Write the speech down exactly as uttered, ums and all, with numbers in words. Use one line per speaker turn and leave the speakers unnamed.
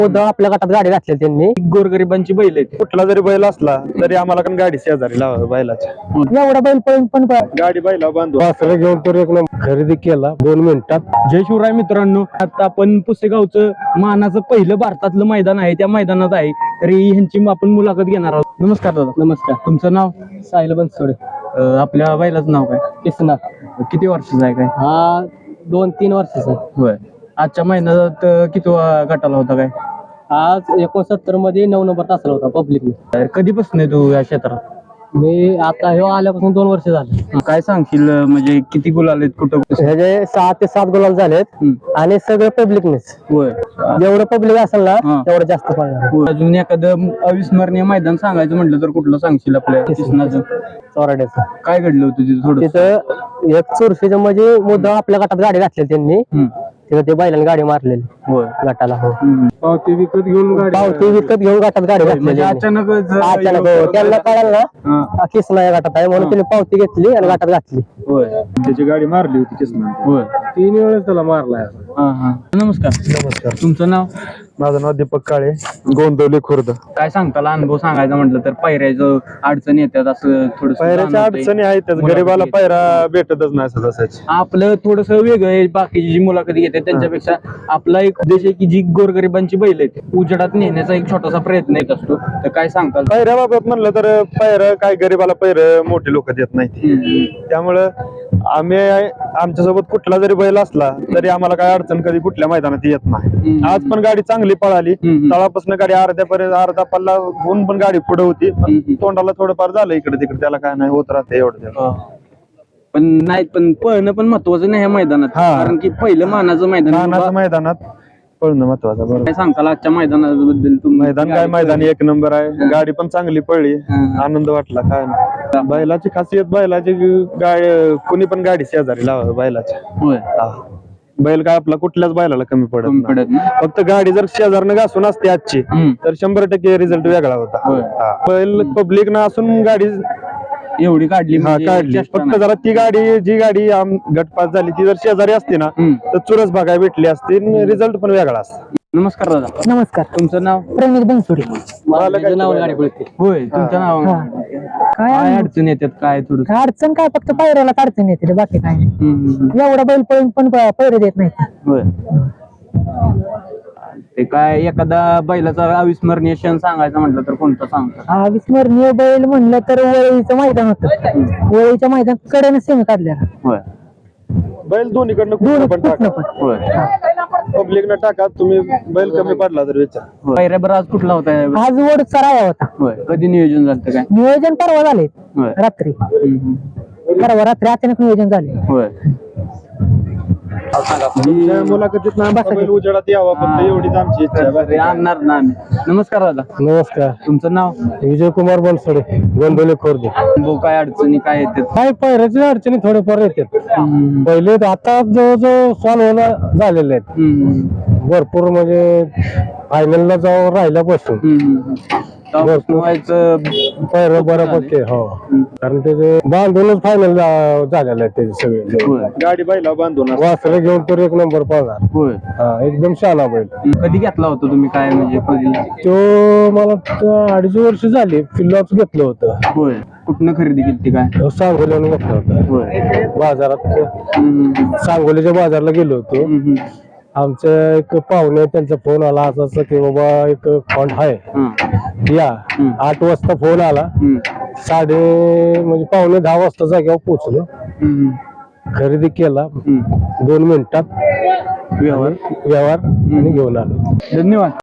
मुद्दा आपल्या गटात गाडी घातली त्यांनी.
गोरगरिबांची बैल आहेत.
कुठला जरी बैल असला तरी आम्हाला पण गाडी शेजारी लावा बैलाच्या.
एवढा बैल पळून पण
गाडी बैला बांधून
वासरं घेऊन तर एक नंबर खरेदी केला दोन मिनिटात.
जय शिवराय मित्रांनो, आता आपण पुसेगावचं मानाचं पहिलं भारतातलं मैदान आहे, त्या मैदानात आहे. तरी ह्यांची आपण मुलाखत घेणार आहोत. नमस्कार दादा.
नमस्कार.
तुमचं नाव?
साहिल बनसोडे.
अं, आपल्या बैलाचं नाव काय?
किसना.
किती वर्षाचा आहे काय?
हा दोन तीन वर्षाचा.
होय. आजच्या मैदानात अं, किती वा- गटाला होता काय?
आज एकोणसत्तर मध्ये नऊ नंबर तासला होता पब्लिकने.
तर कधीपासून आहे तू या क्षेत्रात?
मी आता हे आल्यापासून दोन वर्ष झाले.
काय सांगशील, अं, म्हणजे किती गुलाल आहेत, कुठं?
ह्याचे सहा ते सात गुलाल झालेत
हम्म.
आणि सगळं पब्लिकनेच.
होय.
जेवढं पब्लिक असेल
हा.
ना तेवढं जास्त पडणार.
होय. अजून एखादं अविस्मरणीय मैदान सांगायचं म्हटलं तर कुठलं सांगशील आपल्या किसनाचं?
चोराड्याचं.
काय घडलं होतं तिथे थोडं?
तिथं एक चुरशीचं म्हणजे मुद्दा आपल्या गटात गाडी घातली त्यांनी.
हम्म.
तिथं ते बैलांनी गाडी मारलेली
होय.
गटाला. हो.
हम्म.
पावती विकत घेऊन गाडी
पावती विकत घेऊन गटात गाडी घातली
म्हणजे अचानकच
अचानक. हो. त्यांना कळालं ना
हा.
किसना या गटात आहे म्हणून त्यांनी पावती घेतली आणि गटात घातली.
होय.
त्याची गाडी मारली होती किसना.
होय.
तीन वेळेस त्याला मारलाय.
हा हा. नमस्कार.
नमस्कार.
तुमचं नाव?
माझं नाव दीपक काळे, गोंदवली खुर्द.
काय सांगताला अनुभव सांगायचा म्हटलं तर पायऱ्याचं अडचण येतात असं थोडं
पायऱ्याच्या अडचणी आहेत, त्याच गरीबाला पायरा भेटतच नाही असं तसाच.
आपलं थोडस वेगळं आहे. बाकीची जी मुलाखती घेतात त्यांच्यापेक्षा आपला एक उद्देश आहे की जी गोरगरिबांची बैल आहेत उजेडात नेण्याचा एक छोटासा प्रयत्न येत असतो. तर काय सांगताल?
पायऱ्याबाबत म्हणलं तर पायरं काय गरीबाला पायरं मोठे लोक देत नाहीत.
हम्म.
त्यामुळं आम्ही आमच्यासोबत कुठला जरी बैल असला तरी आम्हाला काय अडचण कधी कुठल्या मैदानात येत नाही.
हम्म.
आज पण गाडी चांगली पळाली.
हम्म.
तळापासून गाडी अर्ध्यापर्यंत अर्धा पल्ला होऊन पण गाडी पुढे होती. पण
हम्म.
तोंडाला थोडंफार झालं इकडे तिकडे, त्याला काय नाही होत राहते एवढं.
हा. पण नाही, पण पळणं पण महत्वाचं नाही ह्या मैदानात.
हा.
कारण की पहिलं मानाचं मैदान.
लहानाच्या मैदानात पळणं महत्वाचं. बरोबर.
काय सांगताल आजच्या मैदानाबद्दल? तुम्ही
मैदान काय मैदान एक नंबर आहे. गाडी पण चांगली पळली.
हा.
आनंद वाटला. काय नाही, बैलाची खासियत बैलाची गाडी कुणी पण गाडी शेजारी लावा बैलाच्या.
होय.
हा. बैल काय आपला कुठल्याच बैलाला कमी पडत
कमी
नाही.
पडत नाही.
फक्त गाडी जर शेजारनं घासून असते आजची
हम्म.
तर शंभर टक्के रिझल्ट वेगळा होता.
होय.
हा. बैल पब्लिक ना असून गाडी
एवढी काढली
हा
म्हणजे
काढली.
चेष्टा
फक्त
नाही.
जरा ती गाडी जी गाडी आम- गटपास झाली ती जर शेजारी असते ना
हम्म.
तर चुरस बघायला भेटली असती, रिझल्ट पण वेगळा असता.
नमस्कार दादा.
नमस्कार.
तुमचं नाव?
प्रणित बनसोडे.
मला काय
नाव गाडी पळते.
होय. तुमचं नाव?
हा. काय
काय अडचण येतात काय थोडं?
काय अडचण काय, फक्त पायऱ्याला अडचण येते रे, बाकी काय नाही.
हम्म, हम्म, हम्म.
एवढा बैल पळून पण पैरे देत नाही.
होय. ते काय एखादा बैलाचा अविस्मरणीय क्षण सांगायचा म्हटलं तर कोणता सांगता?
हा विस्मरणीय बैल म्हणलं तर वळीचं मैदान होतं. वळीच्या मैदान कडेने सेमी काढल्या.
होय.
बैल दोन्हीकडनं
दोन
कुठं पण
कुठनं
टाका,
पण.
होय.
पब्लिक न टाका. तुम्ही बैल कमी पडला तर विचार.
होय. पायऱ्याबर आज कुठला होता?
आज वडचा राया होता.
होय. कधी नियोजन झालं काय?
नियोजन परवा झाले
होय.
रात्री.
हम्म, हम्म.
परवा रात्री अचानक नियोजन झाले.
होय.
तुमच्या मुलाखतीत ना आमचा बैल उजेडात यावा, फक्त एवढीच आमची इच्छा आहे.
अरे, आणणार ना आम्ही. नमस्कार दादा.
नमस्कार.
तुमचं नाव?
विजय कुमार बनसोडे, गोंदवली खुर्द.
भाऊ, काय अडचणी काय येतात?
काय पैऱ्याची अडचणी थोडेफार येतात.
हम्म,
पहिले आता जवळजवळ सॉल्व्ह झालेले आहेत
हम्म,
भरपूर. म्हणजे फायनलला जाऊन राहिल्यापासून
हम्म. तेव्हापासून व्हायचं.
पैर बऱ्यापैकी. हो, कारण त्याचे बांधूनच फायनल झालेलं आहे त्याचे सगळे.
होय.
गाडी बैला बांधून असते.
वासरे घेऊन तर एक नंबर पळणार.
होय.
हा, एकदम शाला बैल.
कधी घेतला होता तुम्ही काय म्हणजे कधी?
तो मला वाटतं अडीच वर्ष झाली पिल्लाच घेतलं होतं.
होय. कुठनं खरेदी केली काय?
तो सांगोल्यानं घेतलं होतं
होय.
बाजारात.
हम्म,
सांगोलीच्या बाजारला गेलो होतो.
हम्म, हम्म.
आमच्या एक पाहुणे त्यांचा फोन आला असं असं की बाबा एक फंड आहे
हा.
या.
हम्म.
आठ वाजता फोन आला.
हम्म,
साडे म्हणजे पावणे दहा वाजता जागेवर पोहोचलो.
हम्म,
खरेदी केला
हम्म.
दोन मिनिटात
व्यवहार.
व्यवहार आणि घेऊन आलो.
धन्यवाद.